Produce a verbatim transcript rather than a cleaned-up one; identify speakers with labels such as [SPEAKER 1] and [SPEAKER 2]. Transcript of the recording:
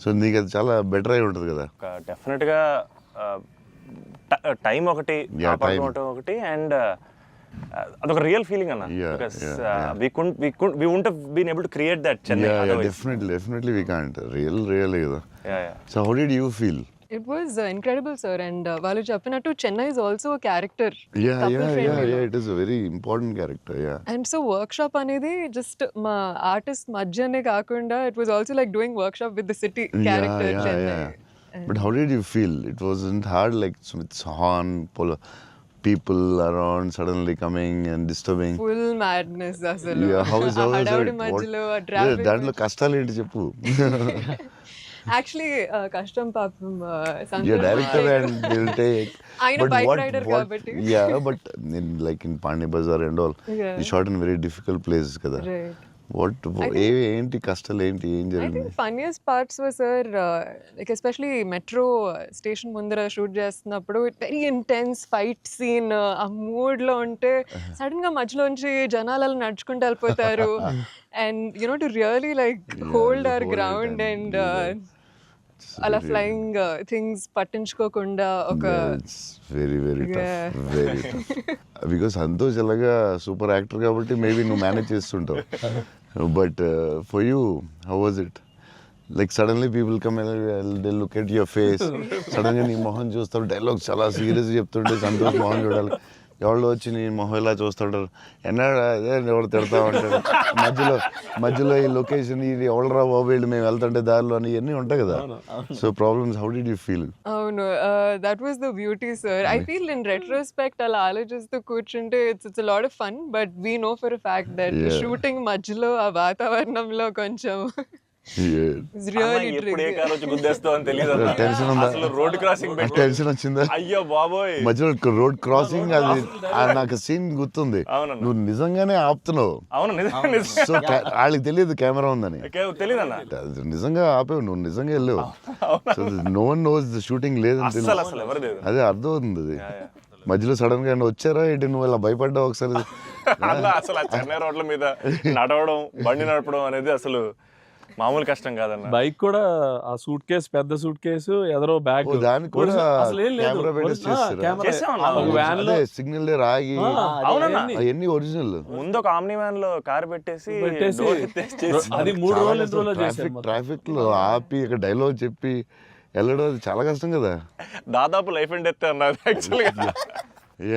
[SPEAKER 1] So నీకు అది చాలా బెటర్ అయి ఉంటుంది కదా.
[SPEAKER 2] డెఫినెట్గా టైం ఒకటి ఒకటి అండ్ అదొక రియల్ ఫీలింగ్ అన్న. Because we could we could we won't have been able to create that Chennai.
[SPEAKER 1] Definitely definitely we can't. Real real కదా. So how did you feel?
[SPEAKER 3] It was uh, incredible, sir, and uh, వాళ్ళు చెప్పినట్టు Chennai is also a character.
[SPEAKER 1] Yeah, yeah, yeah, yeah. It is a very important character. Yeah.
[SPEAKER 3] And so workshop అనేది just మా artist మధ్యనే కాకుండా it was also like doing workshop with the city character
[SPEAKER 1] yeah, yeah,
[SPEAKER 3] Chennai.
[SPEAKER 1] Yeah. But how did you feel? It wasn't hard, like with horn, polo, people around suddenly coming and disturbing.
[SPEAKER 3] Full madness అసలు.
[SPEAKER 1] Yeah, how is how is
[SPEAKER 3] హడావుడి
[SPEAKER 1] it?
[SPEAKER 3] మధ్యలో
[SPEAKER 1] What-
[SPEAKER 3] traffic.
[SPEAKER 1] Yeah, దాంట్లో కష్టాలు ఏంటి చెప్పు.
[SPEAKER 3] Actually కష్టం పాపం
[SPEAKER 1] Yeah, director and they'll take.
[SPEAKER 3] ఆయన
[SPEAKER 1] But
[SPEAKER 3] bike
[SPEAKER 1] what-
[SPEAKER 3] rider
[SPEAKER 1] what-
[SPEAKER 3] కాబట్టి.
[SPEAKER 1] Yeah, but in like in Pani Bazaar and all,
[SPEAKER 3] Yeah.
[SPEAKER 1] you shot in very difficult places కదా.
[SPEAKER 3] Right.
[SPEAKER 1] What ఏ ఏంటి కష్టాలు ఏంటి ఏం
[SPEAKER 3] I
[SPEAKER 1] జరిగింది?
[SPEAKER 3] think funniest parts were, sir, uh, like especially metro station ముందర shoot చేస్తున్నప్పుడు వెరీ ఇంటెన్స్ ఫైట్ సీన్ ఆ మూడ్ లో ఉంటే సడన్ గా మధ్యలోంచి జనాలు అలా నడుచుకుంటూ వెళ్ళిపోతారు and you know to really like hold our
[SPEAKER 1] hold it
[SPEAKER 3] ground
[SPEAKER 1] and
[SPEAKER 3] and
[SPEAKER 1] do that.
[SPEAKER 3] అలా ఫ్లయింగ్ థింగ్స్ పట్టించుకోకుండా ఒక
[SPEAKER 1] very very
[SPEAKER 3] Yeah.
[SPEAKER 1] Tough very tough because Santosh ఎలాగా సూపర్ యాక్టర్ కాబట్టి మేబీ నువ్వు మేనేజ్ చేస్తుంటావు. But for you how was it? Like suddenly people come they look at your face, సడన్గా నీ మొహం చూస్తారు, డైలాగ్ చాలా సీరియస్ చెప్తుంటే సంతోష్ మొహం చూడాలి. ఎవరు వచ్చి నీ మొహం ఇలా చూస్తుంటారు, ఎన్నాడు అదే ఎవరు తిడతా ఉంటారు, మధ్యలో మధ్యలో ఈ లొకేషన్ ఇది ఎవడరా బాబు వీళ్ళు మేము వెళ్తుంటే దారిలో అని ఇవన్నీ ఉంటాయి కదా. So problems how did you feel?
[SPEAKER 3] అవును that was the beauty sir. I feel in retrospect అలా ఆలోచిస్తూ కూర్చుంటే it's it's lot of fun but we know for fact that
[SPEAKER 1] Yeah.
[SPEAKER 3] Shooting మధ్యలో ఆ వాతావరణంలో కొంచెం it's really
[SPEAKER 2] ఎప్పుడు ఏ
[SPEAKER 3] tricky.
[SPEAKER 2] కార్ వచ్చి గుద్దేస్తావు అని తెలియదు అన్న.
[SPEAKER 1] టెన్షన్ ఉందా?
[SPEAKER 2] అసలు రోడ్ క్రాసింగ్ పెట్టి
[SPEAKER 1] టెన్షన్ వచ్చిందా?
[SPEAKER 2] అయ్యో బాబోయ్.
[SPEAKER 1] మధ్యలో రోడ్ క్రాసింగ్ అది ఆ నాకు సీన్ గుర్తుంది.
[SPEAKER 2] అవునన్న.
[SPEAKER 1] నువ్వు నిజంగానే ఆపుతున్నావు.
[SPEAKER 2] అవును నిజం నిజం
[SPEAKER 1] సో వాళ్ళకి తెలియదు కెమెరా ఉందని.
[SPEAKER 2] తెలియదు అన్న.
[SPEAKER 1] అది నిజంగా ఆపేవు, నువ్వు నిజంగా వెళ్ళావు. So no one knows the shooting లేదని
[SPEAKER 2] అసలు
[SPEAKER 1] తెలియదు.
[SPEAKER 2] అసలు ఎవరు లేదు.
[SPEAKER 1] అదే అర్థం అవుతుంది అది. మధ్యలో సడన్ గా ఏమన్నా వచ్చారా ఏంటి, నువ్వు ఇలా భయపడ్డావు ఒకసారి?
[SPEAKER 2] అలా అసలు ఆ చెన్నై రోడ్ల మీద నడవడం బండి నడపడం అనేది అసలు మామూలు కష్టం కాదన్న.
[SPEAKER 4] బైక్ కూడా ఆ సూట్ కేసు, పెద్ద సూట్ కేసు, ఎదరో బ్యాగ్,
[SPEAKER 1] ఓ, దానికి కూడా
[SPEAKER 4] అసలు ఏం లేదు.
[SPEAKER 1] కెమెరా పెట్టేసి
[SPEAKER 4] ఆ,
[SPEAKER 1] చేస్తారా?
[SPEAKER 4] కెమెరా.
[SPEAKER 2] చేసామన్నా.
[SPEAKER 4] ఒక వ్యాన్ లో
[SPEAKER 1] అదే సిగ్నల్ రాగి
[SPEAKER 2] అవునన్నా.
[SPEAKER 1] అవన్నీ ఒరిజినల్.
[SPEAKER 2] ముందు ఒక ఆమ్ని వ్యాన్ లో కార్ పెట్టేసి
[SPEAKER 4] పెట్టేసి
[SPEAKER 2] door ఎత్తేసి చేసి
[SPEAKER 4] అది మూడు రోజులు ఎన్ని రోజులు
[SPEAKER 1] ట్రాఫిక్
[SPEAKER 4] చేశారు.
[SPEAKER 1] ట్రాఫిక్ లో ఆపి ఇక్కడ డైలాగ్ చెప్పి వెళ్ళడం అది చాలా కష్టం కదా.
[SPEAKER 2] దాదాపు లైఫ్ అండ్ డెత్ అన్నది యాక్చువల్గా.